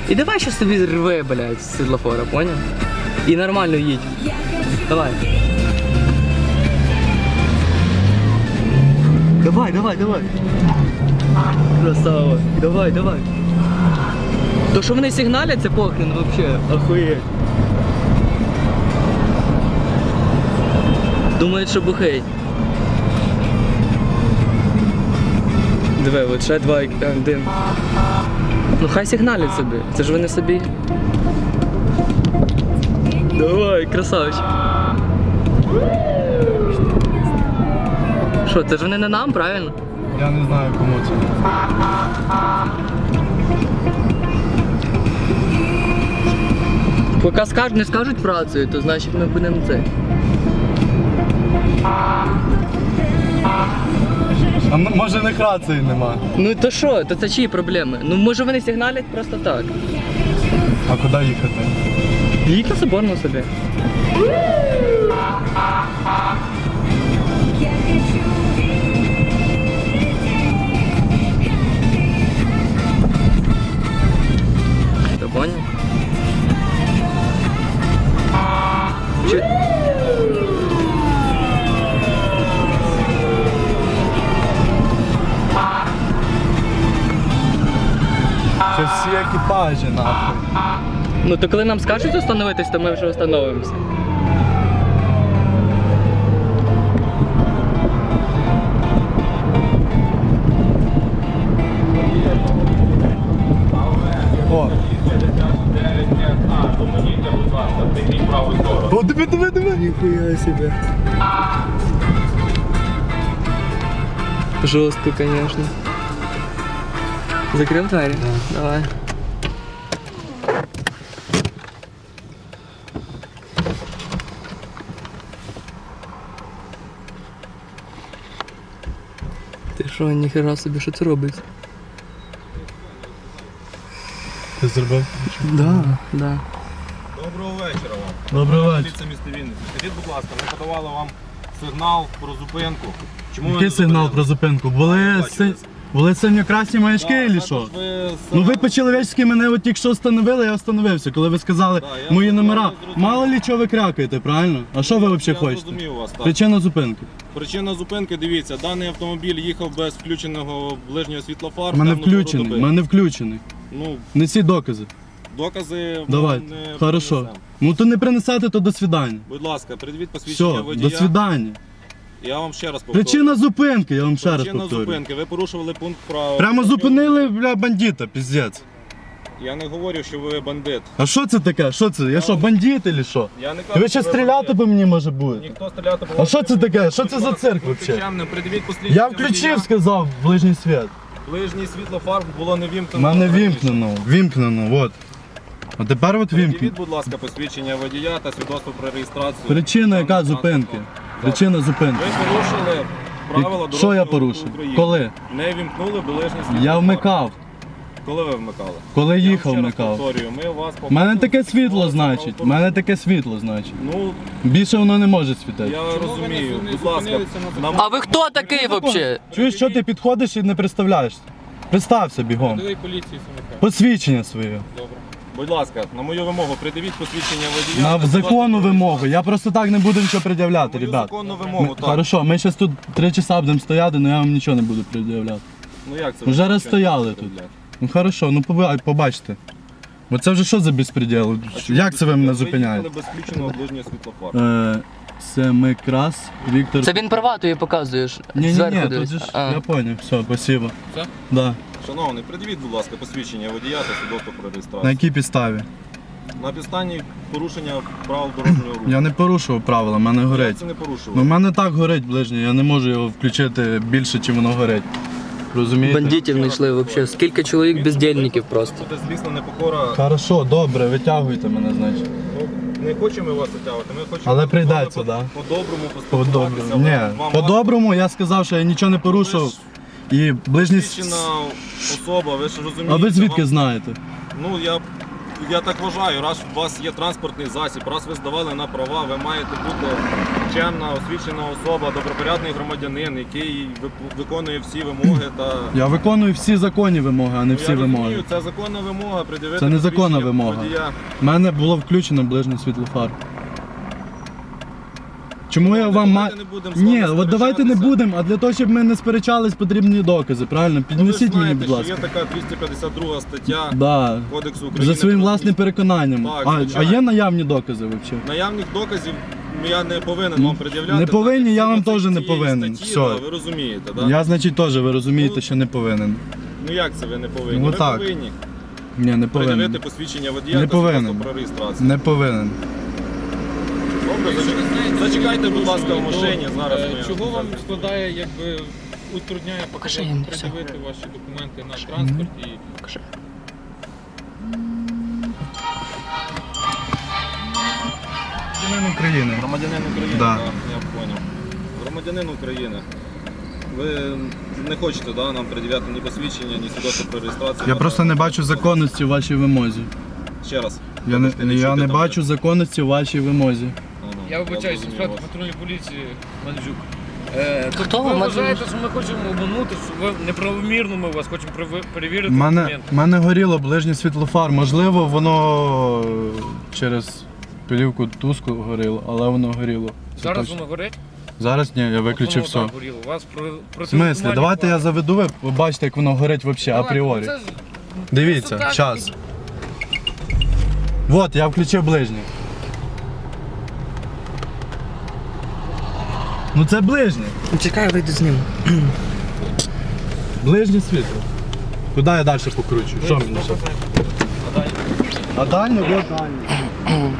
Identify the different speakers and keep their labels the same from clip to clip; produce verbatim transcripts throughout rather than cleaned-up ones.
Speaker 1: І давай ще собі рви, блядь, з світлофора, поняв? І нормально їдь. Давай. Давай, давай, давай. Красава. Давай, давай. То, що вони сигналять, це похрен вообще. Охуєть. Думають, що бухей. Диви, от ще два один. Ну хай сигналять собі. Це ж вони собі. Давай, красавчик. Що, це ж вони не нам, правильно?
Speaker 2: Я не знаю, кому це.
Speaker 1: Поки скажуть, не скажуть працею, то значить ми будемо це.
Speaker 2: А може не рації нема?
Speaker 1: Ну то що, то це чиї проблеми? Ну може вони сигналять просто так.
Speaker 2: А куди їхати?
Speaker 1: Їдь на Соборну собі. Ти поняв? Чи...
Speaker 2: Це всі екіпажі, нахуй.
Speaker 1: Ну то коли нам скажуть остановитись, то ми вже остановимося.
Speaker 2: О! О, диви, диви, диви!
Speaker 1: Ніхуя себе. Жорстко, конечно. Закрив двері? Да. Давай. Ти що, ніхера собі, що це робить?
Speaker 2: Ти зробив?
Speaker 1: Да, да.
Speaker 3: Доброго вечора вам.
Speaker 2: Доброго вечора.
Speaker 3: Поліція міста Вінниці. Скажіть, будь ласка, ми подавали вам сигнал про зупинку. Чому ви
Speaker 2: Який
Speaker 3: не
Speaker 2: сигнал
Speaker 3: зупинили?
Speaker 2: про зупинку? Були,
Speaker 3: бачили.
Speaker 2: си... Були синьо-красні маячки
Speaker 3: Да,
Speaker 2: чи що?
Speaker 3: також ви
Speaker 2: Ну ви
Speaker 3: сигнал-
Speaker 2: по-чоловічськи мене от тільки що встановили, я встановився. Коли ви сказали
Speaker 3: Да, я
Speaker 2: мої
Speaker 3: зрозумів,
Speaker 2: номера,
Speaker 3: я зрозумів.
Speaker 2: мало лі чого ви крякаєте, правильно? А що ви взагалі
Speaker 3: Я
Speaker 2: хочете?
Speaker 3: зрозумів вас, так.
Speaker 2: Причина зупинки.
Speaker 3: Причина зупинки, дивіться, даний автомобіль їхав без включеного ближнього світлофару.
Speaker 2: У мене
Speaker 3: темну пору
Speaker 2: включений,
Speaker 3: доби.
Speaker 2: у мене включений.
Speaker 3: Ну,
Speaker 2: Несі докази.
Speaker 3: докази ми
Speaker 2: Давайте.
Speaker 3: не
Speaker 2: Хорошо.
Speaker 3: принесемо.
Speaker 2: Ну то не принесете, то до свидання.
Speaker 3: Будь ласка, придивіть посвідчення
Speaker 2: Все,
Speaker 3: водія.
Speaker 2: до свидання.
Speaker 3: Я вам ще раз повторю.
Speaker 2: Причина зупинки, я вам ще раз
Speaker 3: Причина
Speaker 2: повторю.
Speaker 3: зупинки. Ви порушували пункт права.
Speaker 2: Прямо зупинили, бля, бандита, піздець.
Speaker 3: Я не говорю, що ви бандит.
Speaker 2: А що це таке? Що це? Я що, бандит чи що?
Speaker 3: Я не кажу,
Speaker 2: Ви
Speaker 3: що
Speaker 2: ще
Speaker 3: ви
Speaker 2: стріляти
Speaker 3: бандит.
Speaker 2: по мені може бути?
Speaker 3: Ніхто стріляти по
Speaker 2: А
Speaker 3: вам
Speaker 2: що
Speaker 3: не
Speaker 2: це
Speaker 3: буде.
Speaker 2: таке? Що це
Speaker 3: Будь
Speaker 2: за
Speaker 3: ласка,
Speaker 2: цирк
Speaker 3: будьте
Speaker 2: взагалі?
Speaker 3: чемним, придивіть посвідчення
Speaker 2: Я включив, сказав, ближній світ.
Speaker 3: водія. Ближній світлофар було не
Speaker 2: У
Speaker 3: вімкнено.
Speaker 2: мене
Speaker 3: раніше.
Speaker 2: вімкнено, вімкнено, от. А тепер от вімкнено.
Speaker 3: Придивіть, будь ласка, посвідчення водія та свідоцтво про реєстрацію.
Speaker 2: Причина яка
Speaker 3: Даного
Speaker 2: зупинки?
Speaker 3: транспортного
Speaker 2: Причина
Speaker 3: засобу.
Speaker 2: зупинки.
Speaker 3: Ви порушили правила дорожнього
Speaker 2: Що я
Speaker 3: руху
Speaker 2: порушив?
Speaker 3: України.
Speaker 2: Коли?
Speaker 3: Не вімкнули ближній світлофар.
Speaker 2: Я вмикав.
Speaker 3: Коли ви вмикали?
Speaker 2: Коли
Speaker 3: Я вам
Speaker 2: їхав,
Speaker 3: ще раз
Speaker 2: вмикав.
Speaker 3: повторюю, ми вас
Speaker 2: У мене таке світло,
Speaker 3: попросили
Speaker 2: значить. У мене таке світло, значить.
Speaker 3: Ну,
Speaker 2: Більше воно не може світити.
Speaker 3: я розумію. Будь ласка, нам...
Speaker 1: А ви хто такий взагалі?
Speaker 2: Чуєш, що ти підходиш і не представляєшся? Представся бігом.
Speaker 3: поліції
Speaker 2: Посвідчення своє.
Speaker 3: Добре. Будь ласка, на мою вимогу придивіть посвідчення водія.
Speaker 2: На
Speaker 3: та
Speaker 2: законну
Speaker 3: свідоцтво про
Speaker 2: вимогу. Я просто так не буду нічого пред'являти,
Speaker 3: Мою
Speaker 2: ребят.
Speaker 3: законну
Speaker 2: Ми,
Speaker 3: вимогу, так.
Speaker 2: хорошо, ми зараз тут три часа будемо стояти, але я вам нічого не буду пред'являти.
Speaker 3: Ну як це?
Speaker 2: Вже
Speaker 3: ви нічого
Speaker 2: раз
Speaker 3: не
Speaker 2: стояли
Speaker 3: будете
Speaker 2: тут.
Speaker 3: робляти?
Speaker 2: Ну хорошо, ну поби- побачите. Бо це вже що за безпреділ?
Speaker 3: А чому
Speaker 2: Як це ви мене
Speaker 3: Ви
Speaker 2: зупиняєте?
Speaker 3: їхали без включеного ближнього світлофару.
Speaker 2: Е, Семикрас Віктор.
Speaker 1: Це він права тобі показуєш.
Speaker 2: Ні, ні,
Speaker 1: Зверху
Speaker 2: ні, тут
Speaker 1: дивись.
Speaker 2: же ж,
Speaker 1: А.
Speaker 2: я понял, все, спасибо.
Speaker 3: Все?
Speaker 2: Да.
Speaker 3: Шановний, придивіть, будь ласка, посвідчення водія та свідоцтво про
Speaker 2: На
Speaker 3: реєстрацію.
Speaker 2: якій підставі?
Speaker 3: На підставі порушення правил дорожнього руху.
Speaker 2: Я не порушував правила, в мене
Speaker 3: Я
Speaker 2: горить.
Speaker 3: це не порушував.
Speaker 2: Ну, в мене так горить ближнє, я не можу його включити більше, чим воно горить. Розумієте?
Speaker 1: Бандитів знайшли взагалі. Скільки чоловік бездільників просто.
Speaker 3: Це злісна непокора.
Speaker 2: Хорошо, добре, витягуйте мене, значить.
Speaker 3: Не хочемо вас затягувати, ми хочемо
Speaker 2: Але
Speaker 3: з вами
Speaker 2: прийдеться,
Speaker 3: по-
Speaker 2: да?
Speaker 3: по-доброму
Speaker 2: По-доброму.
Speaker 3: поспілкуватися.
Speaker 2: Ні,
Speaker 3: Вам-
Speaker 2: по-доброму я сказав, що я нічого не порушив.
Speaker 3: Ви ж
Speaker 2: І ближній... с-
Speaker 3: Посвідчена особа, ви ж розумієте.
Speaker 2: А ви звідки
Speaker 3: вам-
Speaker 2: знаєте?
Speaker 3: Ну, я я так вважаю, раз у вас є транспортний засіб, раз ви здавали на права, ви маєте бути чемна, освічена особа, добропорядний громадянин, який вип- виконує всі вимоги та...
Speaker 2: Я виконую всі законні вимоги, а не
Speaker 3: Ну,
Speaker 2: всі
Speaker 3: я
Speaker 2: вимоги.
Speaker 3: розумію, це законна вимога, пред'явити
Speaker 2: Це незаконна
Speaker 3: посвідчення
Speaker 2: вимога.
Speaker 3: водія.
Speaker 2: У мене було включено ближнє світло фар. Чому я вам маю...
Speaker 3: Давайте не будемо з вами
Speaker 2: Ні, от давайте не
Speaker 3: сперечатися.
Speaker 2: будемо, а для того, щоб ми не сперечались, потрібні докази, правильно?
Speaker 3: Ну, ви ж
Speaker 2: Піднесіть мені,
Speaker 3: знаєте,
Speaker 2: будь ласка.
Speaker 3: що є така двісті п'ятдесят друга стаття
Speaker 2: Да.
Speaker 3: Кодексу України.
Speaker 2: За своїм
Speaker 3: про
Speaker 2: власним переконанням.
Speaker 3: Так,
Speaker 2: а, а
Speaker 3: звичайно.
Speaker 2: є наявні докази взагалі?
Speaker 3: Наявних доказів я не повинен вам пред'являти.
Speaker 2: Не повинні, я вам
Speaker 3: Згідно
Speaker 2: теж не
Speaker 3: цієї
Speaker 2: повинен.
Speaker 3: статті,
Speaker 2: Все.
Speaker 3: да, ви розумієте, так?
Speaker 2: Я, значить, теж, ви розумієте,
Speaker 3: Ну,
Speaker 2: що не повинен.
Speaker 3: Ну як це ви не повинні?
Speaker 2: Ну,
Speaker 3: ви
Speaker 2: так.
Speaker 3: повинні
Speaker 2: Ні, не
Speaker 3: пред'явити
Speaker 2: повинен.
Speaker 3: посвідчення водія
Speaker 2: Не
Speaker 3: та свідоцтво
Speaker 2: повинен.
Speaker 3: про реєстрацію.
Speaker 2: Не повинен.
Speaker 3: Добре, зач- зачекайте, будь ласка, в машині. Зараз
Speaker 4: Е,
Speaker 3: ми...
Speaker 4: Чого вам складає, якби утрудняє
Speaker 1: Покажи їм
Speaker 4: показати,
Speaker 1: все.
Speaker 4: пред'явити ваші документи на транспорт і
Speaker 1: Покажи.
Speaker 2: Громадянин України.
Speaker 3: Громадянин України,
Speaker 2: Да.
Speaker 3: так, я зрозумів. Громадянин України. Ви не хочете да, нам пред'являти ні посвідчення, ні свідоцтво про реєстрацію?
Speaker 2: Я
Speaker 3: на
Speaker 2: просто не
Speaker 3: транспорт?
Speaker 2: бачу законності в вашій вимозі.
Speaker 3: Ще раз.
Speaker 2: Я не,
Speaker 3: Вибачте,
Speaker 2: я
Speaker 3: чути
Speaker 2: не
Speaker 3: там
Speaker 2: бачу
Speaker 3: є?
Speaker 2: законності в вашій вимозі.
Speaker 3: Ага,
Speaker 4: я вибачаюся,
Speaker 3: зрозумів
Speaker 4: інспектор
Speaker 3: вас.
Speaker 4: патрульної поліції Мандзюк. Е,
Speaker 1: Хто
Speaker 4: тобто
Speaker 1: ви,
Speaker 4: ви
Speaker 1: Мандзюк?
Speaker 4: вважаєте, що ми хочемо обманути, що ви неправомірно ми вас хочемо перев- перевірити
Speaker 2: У мене,
Speaker 4: документи?
Speaker 2: мене горіло ближнє світлофар. Можливо, воно е, через пилівку туску горіло, але воно горіло. Це
Speaker 4: Зараз
Speaker 2: точно.
Speaker 4: воно горить?
Speaker 2: Зараз ні, я виключив
Speaker 4: Воно
Speaker 2: все.
Speaker 4: так горіло. У вас про,
Speaker 2: В смислі? Давайте я заведу, ви побачите, як воно горить взагалі, апріорі. Дивіться,
Speaker 4: так.
Speaker 2: час. От, я включив ближнє. Ну це ближнє.
Speaker 1: Чекай, я вийду з ним.
Speaker 2: Ближнє світло. Куди я далі покручу? Що мені ще? А дальнє? Вот дальнє.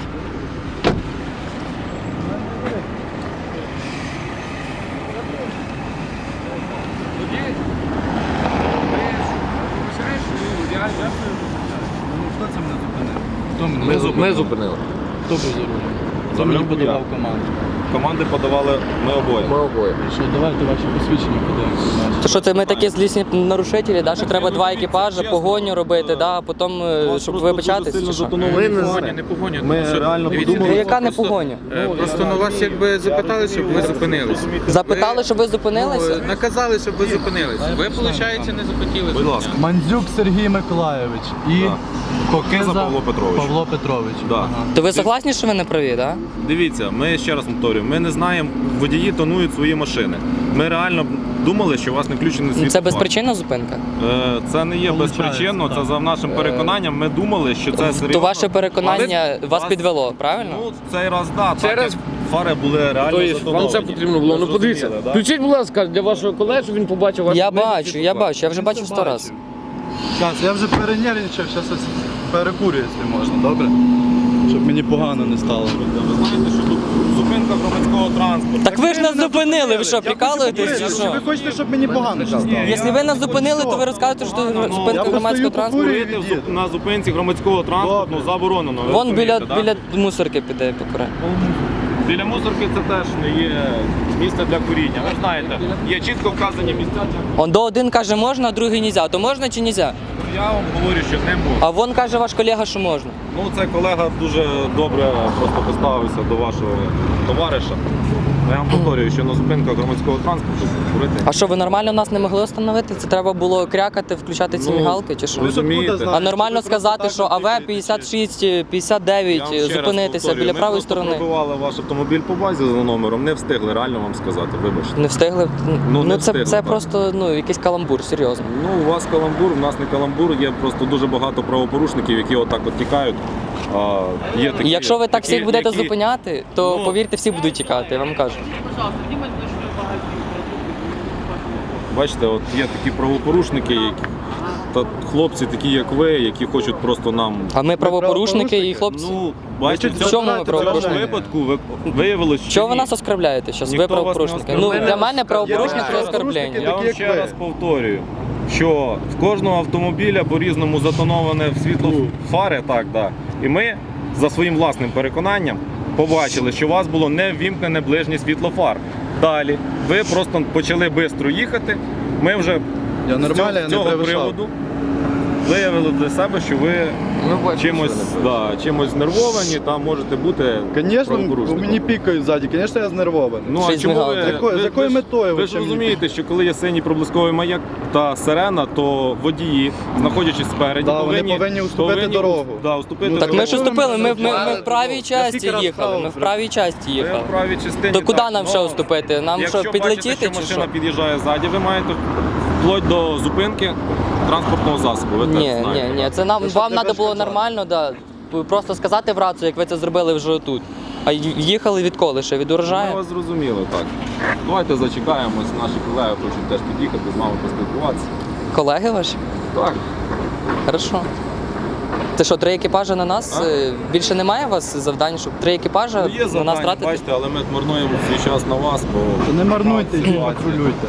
Speaker 2: Хто це мене зупинив? Хто мене
Speaker 3: Ми
Speaker 2: зупинив?
Speaker 3: зупинили.
Speaker 4: зупинили.
Speaker 2: Хто був за рулем?
Speaker 3: За
Speaker 2: Хто мені
Speaker 3: рулем
Speaker 2: подавав
Speaker 3: я.
Speaker 2: команду?
Speaker 3: Команди подавали ми обоє.
Speaker 4: обоє.
Speaker 2: Що, давайте ваші посвідчення подивимося.
Speaker 1: То що це ми такі злісні нарушителі, да? що треба два
Speaker 3: дивіться,
Speaker 1: екіпажі,
Speaker 3: чесно,
Speaker 1: погоню робити,
Speaker 3: е,
Speaker 1: да? а потім, е,
Speaker 3: Вас
Speaker 1: щоб
Speaker 3: просто
Speaker 1: вибачатись,
Speaker 3: дуже
Speaker 1: чи
Speaker 3: сильно
Speaker 1: що?
Speaker 3: затоновані
Speaker 4: Ми не
Speaker 3: фари.
Speaker 4: згодні, не погонять.
Speaker 3: Ми реально
Speaker 4: Дивіться,
Speaker 3: подумали.
Speaker 1: Ну, яка не
Speaker 4: просто-
Speaker 1: погоня?
Speaker 4: Е, Просто на вас якби запитали, щоб ви зупинилися.
Speaker 1: Запитали, щоб ви
Speaker 4: Ну,
Speaker 1: зупинилися?
Speaker 4: наказали, щоб ви зупинилися. Ви, виходить, не захотіли.
Speaker 3: Будь ласка.
Speaker 2: Мандзюк Сергій Миколайович і
Speaker 3: Так.
Speaker 2: Кокиза
Speaker 3: Павло Петрович.
Speaker 2: Павло Петрович.
Speaker 3: Да.
Speaker 2: Ага.
Speaker 1: То ви согласні, що ви не праві, да?
Speaker 3: Дивіться, ми ще раз повторюю, ми не знаємо, водії тонують свої машини. Ми реально думали, що у вас не включений
Speaker 1: Ну,
Speaker 3: світлофар.
Speaker 1: це безпричинна зупинка?
Speaker 3: Е, Це не є
Speaker 2: Получається,
Speaker 3: безпричинно, це
Speaker 2: так.
Speaker 3: за нашим переконанням. Ми думали, що це серйозно.
Speaker 1: То ваше переконання
Speaker 3: Але
Speaker 1: вас підвело, правильно?
Speaker 3: Ну, цей раз так.
Speaker 5: Цей
Speaker 3: так,
Speaker 5: раз-
Speaker 3: як фари були реально
Speaker 5: Тобто
Speaker 3: затоновані.
Speaker 5: вам це потрібно було.
Speaker 3: Ви
Speaker 5: Ну подивіться.
Speaker 3: зрозуміли, да?
Speaker 5: Включіть, будь ласка, для вашого колеги, щоб він побачив ваш.
Speaker 1: Я бачу, я бачу, я вже бачив сто разів.
Speaker 2: Щас, я вже перенервничав, зараз перекурю, якщо можна, добре? Щоб мені погано не стало.
Speaker 3: Ви знаєте, що тут зупинка громадського транспорту.
Speaker 1: Так ви ж нас зупинили, ви що, прикалуєтесь чи
Speaker 2: Ви
Speaker 1: що?
Speaker 2: хочете, щоб мені погано ще стало?
Speaker 1: Якщо ви нас зупинили, то ви розказуєте, що це
Speaker 2: Я
Speaker 1: зупинка
Speaker 2: просто
Speaker 1: громадського
Speaker 2: стою,
Speaker 1: транспорту.
Speaker 2: покурюю.
Speaker 3: Курити в зуп- на зупинці громадського транспорту
Speaker 2: Добре.
Speaker 3: заборонено. ви
Speaker 1: Вон біля,
Speaker 3: розумієте, да?
Speaker 1: біля мусорки піде покуре.
Speaker 3: Біля мусорки це теж не є місце для куріння. Ви ж знаєте, є чітко вказані місця для
Speaker 1: Он до один каже можна, а другий нельзя. То можна чи нельзя?
Speaker 3: Я вам говорю, що не можна.
Speaker 1: А вон каже ваш колега, що можна.
Speaker 3: Ну, цей колега дуже добре просто поставився до вашого товариша. Я вам повторюю, що на зупинках громадського транспорту курити.
Speaker 1: А що, ви нормально нас не могли встановити? Це треба було крякати, включати ці
Speaker 3: Ну,
Speaker 1: мігалки чи що?
Speaker 3: ви розумієте?
Speaker 2: Откуда
Speaker 1: А нормально
Speaker 2: Просто
Speaker 1: сказати,
Speaker 2: так
Speaker 1: що
Speaker 2: от
Speaker 1: АВ
Speaker 2: тільки-
Speaker 1: п'ятдесят шість, п'ятдесят
Speaker 3: Я
Speaker 1: дев'ять,
Speaker 3: вам ще раз
Speaker 1: зупинитися
Speaker 3: повторюю,
Speaker 1: біля
Speaker 3: ми
Speaker 1: правої
Speaker 3: просто
Speaker 1: сторони.
Speaker 3: пробивали ваш автомобіль по базі за номером, не встигли реально вам сказати, вибачте.
Speaker 1: Не встигли?
Speaker 3: Ну,
Speaker 1: Ну,
Speaker 3: не
Speaker 1: це,
Speaker 3: встигли,
Speaker 1: це
Speaker 3: так.
Speaker 1: просто ну, якийсь каламбур, серйозно.
Speaker 3: Ну, у вас каламбур, у нас не каламбур, є просто дуже багато правопорушників, які отак от тікають. А, є такі,
Speaker 1: І якщо ви так
Speaker 3: які-
Speaker 1: всіх будете
Speaker 3: які-
Speaker 1: зупиняти, то
Speaker 3: Ну.
Speaker 1: повірте, всі будуть тікати, я вам кажу.
Speaker 3: Бачите, от є такі правопорушники, які, та хлопці такі, як ви, які хочуть просто нам.
Speaker 1: А ми правопорушники і хлопці.
Speaker 3: Ну, бачите,
Speaker 2: Ви
Speaker 3: в
Speaker 2: чого
Speaker 3: цьому,
Speaker 1: ми
Speaker 3: в цьому
Speaker 1: правопорушники?
Speaker 3: випадку ви, виявилось, що
Speaker 1: Чого ви
Speaker 3: ні.
Speaker 1: нас оскарбляєте зараз? Ви
Speaker 3: Ніхто вас не
Speaker 1: правопорушники. Ну,
Speaker 3: оскарбляє.
Speaker 1: для мене правопорушник це
Speaker 2: Я-
Speaker 1: оскарблення.
Speaker 3: Я вам
Speaker 2: такі, як
Speaker 3: ще
Speaker 2: ви.
Speaker 3: раз повторюю, що в кожного автомобіля по-різному затоноване в світло фари, так, да. І ми за своїм власним переконанням побачили, що у вас було не ввімкнене ближнє світло фар. Далі ви просто почали швидко їхати. Ми вже
Speaker 2: Я
Speaker 3: з
Speaker 2: нормально,
Speaker 3: цього,
Speaker 2: я
Speaker 3: з
Speaker 2: не
Speaker 3: цього
Speaker 2: перевищав.
Speaker 3: приводу виявили для себе, що ви
Speaker 5: Ми бачимо,
Speaker 3: чимось,
Speaker 5: що ви не
Speaker 3: да, чимось знервовані та можете бути
Speaker 2: Звісно,
Speaker 3: правопорушником.
Speaker 2: мені пікають ззаді, звісно, я знервований.
Speaker 3: Ну,
Speaker 1: Ще
Speaker 3: а
Speaker 1: й з
Speaker 3: чому ви,
Speaker 1: мигалкою.
Speaker 2: З якою- з
Speaker 3: ви-
Speaker 2: якою
Speaker 3: ви ж-
Speaker 2: метою
Speaker 3: Ви
Speaker 2: ви
Speaker 3: ж
Speaker 2: ще мені
Speaker 3: розумієте, що коли є синій проблисковий маяк та сирена, то водії, знаходячись спереді,
Speaker 2: Да, вони повинні уступити дорогу.
Speaker 3: Да, уступити
Speaker 2: Ну,
Speaker 1: Так ми
Speaker 3: дорогу.
Speaker 1: ж уступили, ми, ми, ми в правій
Speaker 2: Я
Speaker 1: часті
Speaker 2: скільки раз
Speaker 1: їхали,
Speaker 2: вправо
Speaker 1: ми в
Speaker 2: вже.
Speaker 1: правій часті
Speaker 3: Ви
Speaker 1: їхали.
Speaker 3: в правій частині.
Speaker 1: То куди
Speaker 3: так,
Speaker 1: нам
Speaker 3: но
Speaker 1: ще уступити? Нам
Speaker 3: якщо
Speaker 1: що, підлетіти
Speaker 3: бачите, що
Speaker 1: чи
Speaker 3: машина
Speaker 1: що?
Speaker 3: під'їжджає ззаді, ви маєте вплоть до зупинки транспортного засобу. Ви
Speaker 1: Ні,
Speaker 3: теж
Speaker 1: ні,
Speaker 3: знаєте.
Speaker 1: ні, це нам,
Speaker 2: Ну, щоб
Speaker 1: вам
Speaker 2: не
Speaker 1: треба було
Speaker 2: перешкоджати.
Speaker 1: нормально, да. Просто сказати в рацію, як ви це зробили вже тут. А й- їхали відколи ще? Від
Speaker 3: Ми
Speaker 1: урожаю?
Speaker 3: вас зрозуміли, так. Давайте зачекаємось, наші колеги хочуть теж під'їхати, з вами поспілкуватися.
Speaker 1: Колеги ваші?
Speaker 3: Так.
Speaker 1: Хорошо. Це що, три екіпажі на нас?
Speaker 3: А?
Speaker 1: Е, Більше немає у вас завдань, щоб три екіпажі
Speaker 3: Ну, є
Speaker 1: на нас
Speaker 3: завдання,
Speaker 1: тратити?
Speaker 3: бачите, але ми марнуємо свій час на вас, бо...
Speaker 2: То не марнуйте, і
Speaker 3: Ситуація.
Speaker 2: патрулюйте.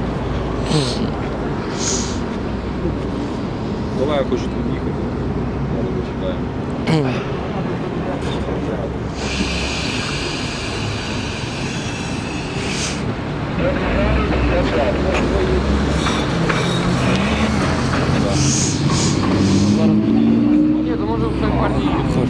Speaker 3: Колеги хочуть під'їхати. Зараз зачекаємо.
Speaker 5: Ні, то може в той партії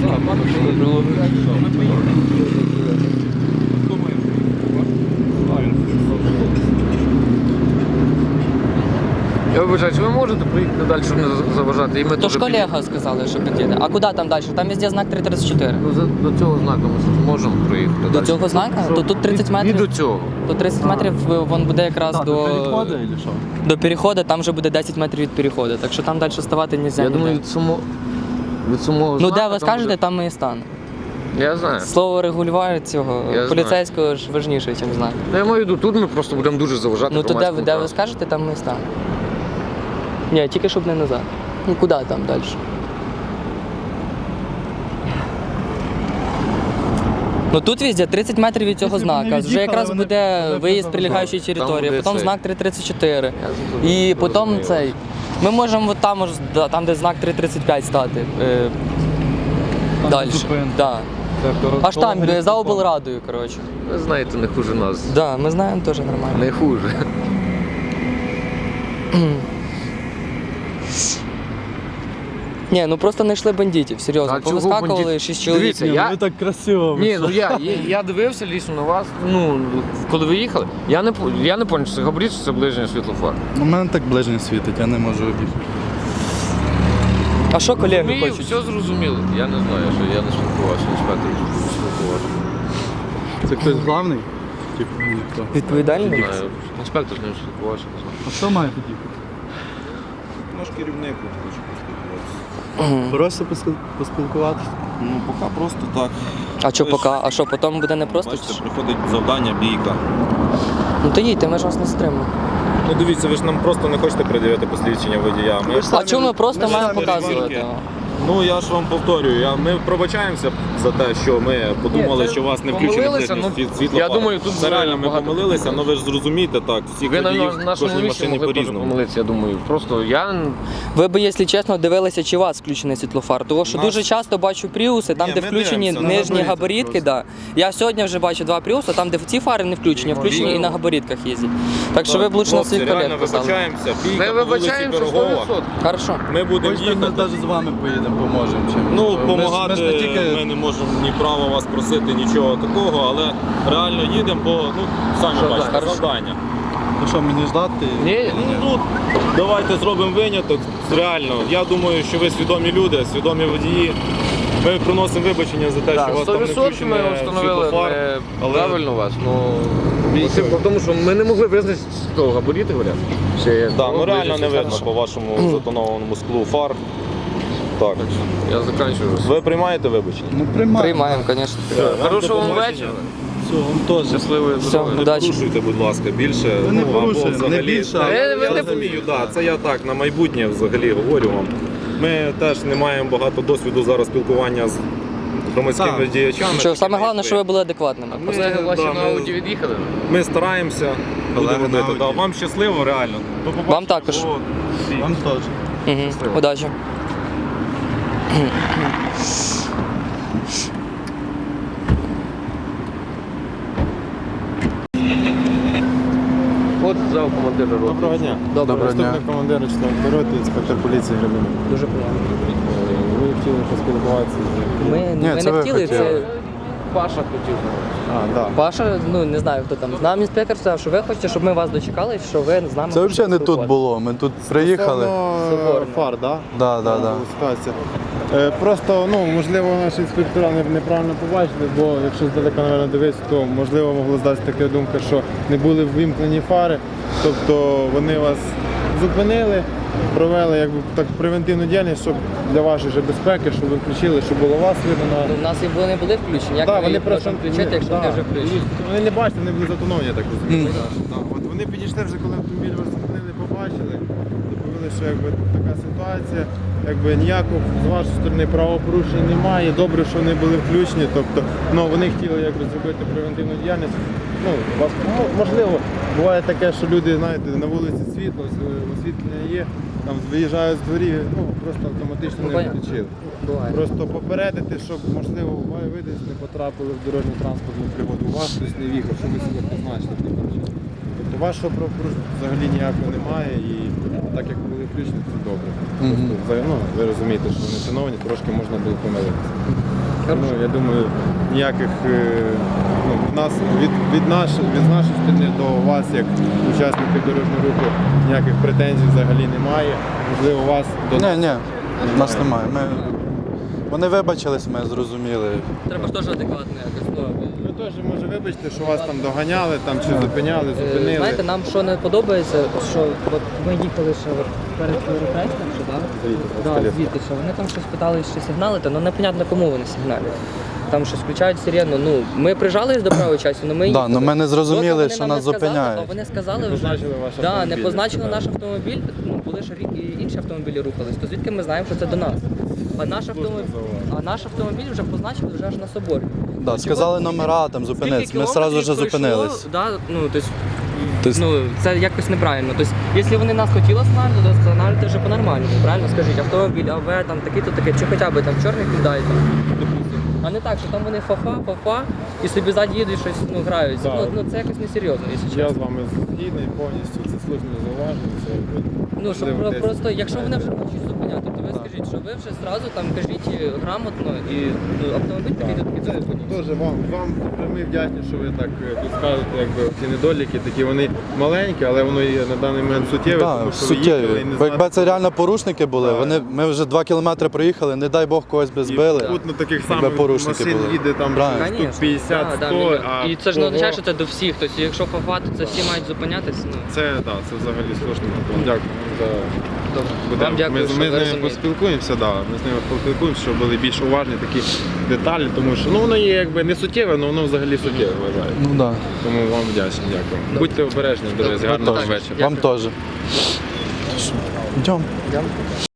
Speaker 5: Я вибачаю, чи ви можете проїхати далі, щоб не заважати? І ми
Speaker 1: То
Speaker 5: теж
Speaker 1: ж колега сказали, що під'їде. А куди там далі? Там везде знак три тридцять чотири.
Speaker 5: Ну, за- до цього знаку ми ж можемо проїхати.
Speaker 1: До
Speaker 5: далі.
Speaker 1: цього знака?
Speaker 5: Що?
Speaker 1: То тут тридцять
Speaker 5: І
Speaker 1: метрів.
Speaker 5: до цього.
Speaker 1: То тридцять метрів е, вон буде якраз
Speaker 2: Так,
Speaker 1: до,
Speaker 2: до переходу, чи що?
Speaker 1: до переходу, там вже буде десять метрів від переходу. Так що там далі ставати не можна.
Speaker 5: Я думаю, від самого від самого
Speaker 1: Ну
Speaker 5: знака
Speaker 1: де ви
Speaker 5: там
Speaker 1: скажете,
Speaker 5: буде-
Speaker 1: там ми і станемо.
Speaker 5: Я знаю.
Speaker 1: Слово регулювання цього
Speaker 5: Я знаю.
Speaker 1: поліцейського ж важніше, ніж знак.
Speaker 5: Ну, я маю в виду, тут ми просто будемо дуже заважати.
Speaker 1: Ну то де, ви-
Speaker 5: громадському
Speaker 1: де ви
Speaker 5: транспорту.
Speaker 1: скажете, там ми і станемо. Ні, тільки щоб не назад. Ну куди там далі? Ну тут везде тридцять метрів від цього
Speaker 2: Якщо б вони
Speaker 1: знака. Вже
Speaker 2: від'їхали,
Speaker 1: якраз
Speaker 2: вони-
Speaker 1: буде
Speaker 2: вони б
Speaker 1: виїзд
Speaker 2: не
Speaker 1: прилегаючої
Speaker 5: Там
Speaker 1: території,
Speaker 5: буде
Speaker 1: потім
Speaker 5: цей.
Speaker 1: знак три тридцять чотири.
Speaker 5: Я
Speaker 1: І
Speaker 5: зрозумів.
Speaker 1: потім цей. Ми можемо от там, ось, да, там, де знак три тридцять п'ять стати. Е,
Speaker 2: Там
Speaker 1: далі.
Speaker 2: зупинка.
Speaker 1: Да. Аж там, е, за облрадою, коротше.
Speaker 5: Ви знаєте, не хуже нас.
Speaker 1: Да, ми знаємо теж нормально.
Speaker 5: Не хуже.
Speaker 1: Ні, ну просто знайшли бандитів, серйозно.
Speaker 5: А чого
Speaker 1: Повискакували
Speaker 5: бандит?
Speaker 1: шість чоловік.
Speaker 5: Дивіться,
Speaker 2: Ні, ну
Speaker 5: я-
Speaker 2: ви так красиво. ви
Speaker 5: Ні,
Speaker 2: що?
Speaker 5: ну я, я, я дивився лісно на вас. Ну, коли ви їхали, я не по- я не пам'ятаю, чи це габарит, чи це ближнє світлофар.
Speaker 2: У мене так ближнє світить, я не можу обійти.
Speaker 1: А що колеги
Speaker 5: Мені
Speaker 1: хочуть?
Speaker 5: все зрозуміло. Я не знаю, що я не спілкувався, інспектор не спілкувався.
Speaker 2: Це хтось главний? Типу, ніхто.
Speaker 1: Відповідальний?
Speaker 5: Не знаю, інспектор з ним спілкувався, не знаю.
Speaker 2: А хто має під'їхати?
Speaker 3: Наш керівник хоче поспілкуватися.
Speaker 2: Просто поспіл- поспілкуватися.
Speaker 3: Ну, поки просто так.
Speaker 1: А що
Speaker 3: Ви ж-
Speaker 1: поки? А що потім буде не просто?
Speaker 3: Бачите, приходить завдання, бійка.
Speaker 1: Ну то їдьте, ми ж вас не стримуємо.
Speaker 3: Ну дивіться, ви ж нам просто не хочете пред'явити посвідчення водія. Ми...
Speaker 2: Ви ж
Speaker 1: А чому ми просто
Speaker 2: ми ж
Speaker 1: маємо
Speaker 2: самі
Speaker 1: показувати?
Speaker 3: ревізорки. Ну я ж вам повторюю, я, ми пробачаємося за те, що ми подумали,
Speaker 5: Ні, це
Speaker 3: що у вас не включений
Speaker 5: помилилися,
Speaker 3: ближній
Speaker 5: ну,
Speaker 3: світ- світлофар.
Speaker 5: я думаю, тут
Speaker 3: це реально ми
Speaker 5: багато
Speaker 3: помилилися, але ви ж зрозумієте так, всіх
Speaker 5: Ви на
Speaker 3: водіїв
Speaker 5: на
Speaker 3: в
Speaker 5: нашому
Speaker 3: кожній
Speaker 5: місці
Speaker 3: машині
Speaker 5: могли теж
Speaker 3: по-різному.
Speaker 5: помилитися, я думаю. Просто я
Speaker 1: Ви би, якщо чесно, дивилися, чи у вас включений світлофар. Тому що
Speaker 3: Наш-
Speaker 1: дуже часто бачу пріуси, там,
Speaker 3: Ні,
Speaker 1: де
Speaker 3: ми
Speaker 1: включені
Speaker 3: дивимося на
Speaker 1: нижні
Speaker 2: габарити
Speaker 1: габаритки. Да. Я сьогодні вже бачу два пріуси, там, де ці фари не включені, а включені і на габаритках їздять. Так що ви б лучше на
Speaker 3: Хлопці,
Speaker 1: своїх колег
Speaker 3: реально
Speaker 1: казали.
Speaker 3: вибачаємося, бійка
Speaker 5: ми
Speaker 3: по вулиці
Speaker 5: вибачаємося сто
Speaker 3: Пирогова.
Speaker 5: відсотків.
Speaker 1: Хорошо.
Speaker 3: Ми будемо
Speaker 2: Хочете, ми
Speaker 3: їхати.
Speaker 2: навіть з вами поїдемо, поможемо чимось.
Speaker 3: Ну,
Speaker 2: Ми ж-
Speaker 3: допомагати
Speaker 2: Ми ж не тільки...
Speaker 3: ми не можемо ні права вас просити, нічого такого, але реально їдемо, бо ну, самі
Speaker 5: Завдання.
Speaker 3: бачите,
Speaker 5: Хорошо.
Speaker 3: завдання.
Speaker 2: Ну що, мені ждати?
Speaker 5: Ні,
Speaker 3: Ну, тут давайте зробимо виняток. Реально, я думаю, що ви свідомі люди, свідомі водії. Ми приносимо вибачення за те, що у вас
Speaker 5: сто
Speaker 3: там не
Speaker 5: відсотків ми
Speaker 3: включений
Speaker 5: встановили
Speaker 3: світлофар.
Speaker 5: не
Speaker 3: але-
Speaker 5: правильно вас. Ну, по тому що ми не могли визначити з того габаріти, говорять. Чи
Speaker 3: Да, ну реально не
Speaker 5: ближнє
Speaker 3: видно по
Speaker 5: світлофар.
Speaker 3: вашому затонованому склу фар. Так.
Speaker 5: Я закінчую.
Speaker 3: Ви приймаєте вибачення?
Speaker 2: Ну, приймаємо.
Speaker 1: Приймаємо, звісно.
Speaker 5: Хорошого вам
Speaker 3: побачення.
Speaker 5: вечора.
Speaker 2: Все, вам теж.
Speaker 5: Щасливої
Speaker 1: Все.
Speaker 5: здоров'я.
Speaker 3: Не
Speaker 1: Удачі.
Speaker 3: порушуйте, будь ласка, більше.
Speaker 2: Ви не
Speaker 3: ну, або
Speaker 2: порушуєте, не
Speaker 3: взагалі.
Speaker 2: більше,
Speaker 3: Да,
Speaker 5: а
Speaker 3: я,
Speaker 5: ви
Speaker 3: я
Speaker 5: не-
Speaker 3: розумію, да, це я так на майбутнє взагалі говорю вам. Ми теж не маємо багато досвіду зараз спілкування з громадськими
Speaker 2: Так.
Speaker 3: діячами.
Speaker 1: Що
Speaker 3: такими,
Speaker 1: саме
Speaker 3: як
Speaker 1: головне, що ви були адекватними.
Speaker 3: Ми-
Speaker 5: Колеги ваші
Speaker 3: да,
Speaker 5: на
Speaker 3: ми-
Speaker 5: ауді від'їхали?
Speaker 3: Ми стараємося,
Speaker 2: Колеги
Speaker 3: будемо
Speaker 2: на
Speaker 3: робити. Да,
Speaker 2: Ауді.
Speaker 3: вам щасливо, реально. До побачення.
Speaker 1: Вам також.
Speaker 3: О, всі.
Speaker 2: Вам теж.
Speaker 1: Угу. Удачі.
Speaker 5: От сказав командир роти.
Speaker 6: Доброго дня.
Speaker 2: Доброго дня.
Speaker 6: Заступник командира четвертої роти, інспектор поліції Гребенюк.
Speaker 1: Дуже приємно.
Speaker 6: Ви хотіли поспілкуватися з...
Speaker 1: Ми,
Speaker 2: Ні,
Speaker 1: ми
Speaker 2: це
Speaker 1: не
Speaker 2: ви
Speaker 1: хотіли,
Speaker 2: хотіли.
Speaker 1: це
Speaker 5: Паша хотів.
Speaker 6: А, да.
Speaker 1: Паша, ну не знаю хто там. Нам інспектор сказав, що ви хочете, щоб ми вас дочекали, що ви з нами.
Speaker 2: Це
Speaker 1: хочете
Speaker 2: взагалі не тут
Speaker 1: поспілкуватися.
Speaker 2: було. Ми тут приїхали.
Speaker 6: Стосовно
Speaker 1: Соборно.
Speaker 6: фар, да?
Speaker 2: Да, да,
Speaker 6: Там
Speaker 2: да.
Speaker 6: була ситуація. Е, Просто, ну, можливо, наші інспектора не- неправильно побачили, бо якщо здалека, мабуть, дивитися, то можливо могло здатися така думка, що не були ввімкнені фари, тобто вони вас зупинили, провели якби так превентивну діяльність, щоб для вашої же безпеки, щоб ви включили, щоб було вас видно на.
Speaker 1: Ну, в нас і були не були включені. Як
Speaker 6: Да,
Speaker 1: ми
Speaker 6: вони
Speaker 1: їх
Speaker 6: просто
Speaker 1: можемо включити, якщо
Speaker 6: да,
Speaker 1: вони вже включені?
Speaker 6: Вони не бачили, вони були затоновані, я так розумію. Да, от вони підійшли вже, коли автомобіль вас зупинили, побачили, доповіли, що якби така ситуація, якби ніякого з вашої сторони правопорушень немає. Добре, що вони були включені. Тобто, ну вони хотіли якби зробити превентивну діяльність. Ну, вас мо- можливо, буває таке, що люди, знаєте, на вулиці світло, ос- освітлення є, там виїжджають з дворів, ну просто автоматично
Speaker 1: Ну,
Speaker 6: не
Speaker 1: понятно.
Speaker 6: включили.
Speaker 1: Буває.
Speaker 6: Просто попередити, щоб можливо ви десь не потрапили в дорожню транспортну пригоду, у вас хтось не в'їхав, щоб ви себе позначили. таким чином. Тобто вашого правопорушення взагалі ніякого немає і так як були включені, це добре. Просто, взагалі, ну, ви розумієте, що вони шановані, трошки можна було помилитися. Ну, я думаю, ніяких е, ну, від нас, від, від, наш, від нашої сторони до вас, як учасників дорожнього руху, ніяких претензій взагалі немає. Можливо, у вас до
Speaker 2: Ні, ні, нас немає. Ми... Вони вибачились, ми зрозуміли.
Speaker 1: Треба ж теж адекватно якось. Ну,
Speaker 6: Ви теж може вибачте, що вас там доганяли, там чи зупиняли,
Speaker 1: Е,
Speaker 6: зупинили.
Speaker 1: Знаєте, нам що не подобається, що от ми їхали ще от перед Європейським, що так?
Speaker 6: Звідти,
Speaker 1: Да,
Speaker 6: з колес.
Speaker 1: звідти, що вони там щось питали, що сигналити, але непонятно кому вони сигналять. Там щось включають сирену. Ну, ми прижались до правої часу, але ми
Speaker 2: Да,
Speaker 1: їхали.
Speaker 2: ну ми не зрозуміли,
Speaker 1: Доки вони
Speaker 2: що
Speaker 1: нам
Speaker 2: нас
Speaker 1: не сказали,
Speaker 2: зупиняють.
Speaker 1: А вони сказали
Speaker 6: Не
Speaker 1: вже,
Speaker 6: позначили ваш
Speaker 1: да,
Speaker 6: автомобіль,
Speaker 1: не позначили
Speaker 6: сказали.
Speaker 1: наш автомобіль, ну, були ж рі- і інші автомобілі рухались, то звідки ми знаємо, що це до нас? А наш автомобіль, а наш автомобіль вже позначили вже аж на соборі.
Speaker 2: Да, сказали номера, там зупинитись. Ми одразу вже зупинились.
Speaker 1: Да, ну, тобто,
Speaker 2: Тобто-
Speaker 1: ну, це якось неправильно. Тобто, якщо вони нас хотіли останавливати, то останавливати вже по-нормальному, правильно? Скажіть, автомобіль, АВ, там такі-то таке, чи хоча б там чорний кидай, там, допустим. А не так, що там вони фафа, фафа, і собі ззаді їдуть щось, ну, граються.
Speaker 6: Да.
Speaker 1: Ну, ну, це якось несерйозно, якщо
Speaker 6: Я
Speaker 1: чесно.
Speaker 6: з вами згідний повністю, це слушне зауваження. Це якби,
Speaker 1: Ну, що
Speaker 6: можливо,
Speaker 1: про-
Speaker 6: десь-
Speaker 1: просто, якщо вони вже хочуть зупиняти, то ви скажіть, що ви вже зразу там кажіть грамотно і ну, автомобіль такий такий
Speaker 6: Це
Speaker 1: зупиніть.
Speaker 6: Дуже вам, вам ми вдячні, що ви так е, тут скажете, якби ці недоліки, такі вони маленькі, але воно є на даний момент суттєве,
Speaker 2: Так,
Speaker 6: тому що ви їхали і
Speaker 2: суттєві.
Speaker 6: не
Speaker 2: Бо якби
Speaker 6: знати,
Speaker 2: це реально порушники були,
Speaker 6: Так.
Speaker 2: вони, ми вже два кілометри проїхали, не дай Бог когось би
Speaker 6: і
Speaker 2: збили.
Speaker 6: тут на таких
Speaker 2: якби
Speaker 6: самих
Speaker 2: порушники
Speaker 6: машин
Speaker 2: були.
Speaker 6: їде там
Speaker 2: Правильно.
Speaker 6: штук
Speaker 1: Конечно.
Speaker 6: п'ятдесят
Speaker 1: Да, да,
Speaker 6: сто,
Speaker 1: мільйон.
Speaker 6: а
Speaker 1: І це ж не
Speaker 6: кого-
Speaker 1: означає, що це до всіх. Тобто, якщо фафати, це всі мають зупинятися. Ну,
Speaker 6: Це, да, це взагалі слушно. Дякую за
Speaker 1: добре.
Speaker 6: Будемо.
Speaker 1: Вам дякую,
Speaker 6: ми,
Speaker 1: що
Speaker 6: ми
Speaker 1: ви
Speaker 6: з ними
Speaker 1: розумієте.
Speaker 6: поспілкуємося, да. Ми з ними поспілкуємося, щоб були більш уважні такі деталі, тому що ну, воно є якби не суттєве, але воно взагалі суттєве вважаю.
Speaker 2: Ну да.
Speaker 6: Тому вам вдячний, дякую. Будьте обережні, друзі,
Speaker 1: Добре.
Speaker 6: гарного
Speaker 1: Так,
Speaker 6: вечора.
Speaker 2: Вам теж. Йдемо.
Speaker 1: Йдемо.